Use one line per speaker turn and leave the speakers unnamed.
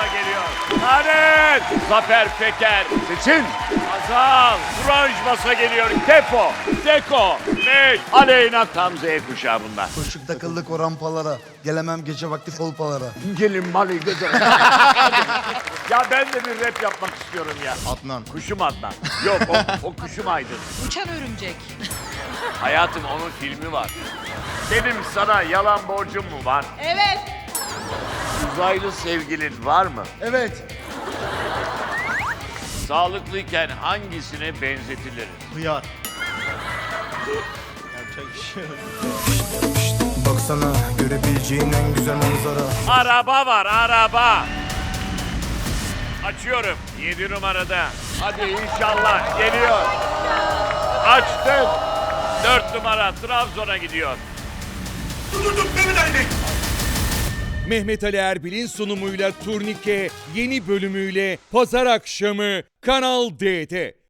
Hazal'la geliyor. Lanet! Zafer Peker. Seçin. Hazal. Turanj Masa geliyor. Tefo. Deko. Mek. Aleyna tam Z kuşağı bunlar.
Koşuk takıldık o rampalara. Gelemem gece vakti kolpalara.
Gelin Mali gece. Ya ben de bir rap yapmak istiyorum ya.
Adnan.
Kuşum Adnan. Yok o Kuşum Aydın.
Uçan örümcek.
Hayatım onun filmi var. Benim sana yalan borcum mu var?
Evet.
Uzaylı sevgilin var mı?
Evet.
Sağlıklıyken hangisine benzetiliriz?
Hıyar.
Baksana görebileceğin en güzel manzara.
Araba var, araba. Açıyorum. 7 numarada. Hadi inşallah geliyor. Açtım. 4 numara Trabzon'a gidiyor.
Mehmet Ali Erbil'in sunumuyla Turnike yeni bölümüyle pazar akşamı Kanal D'de.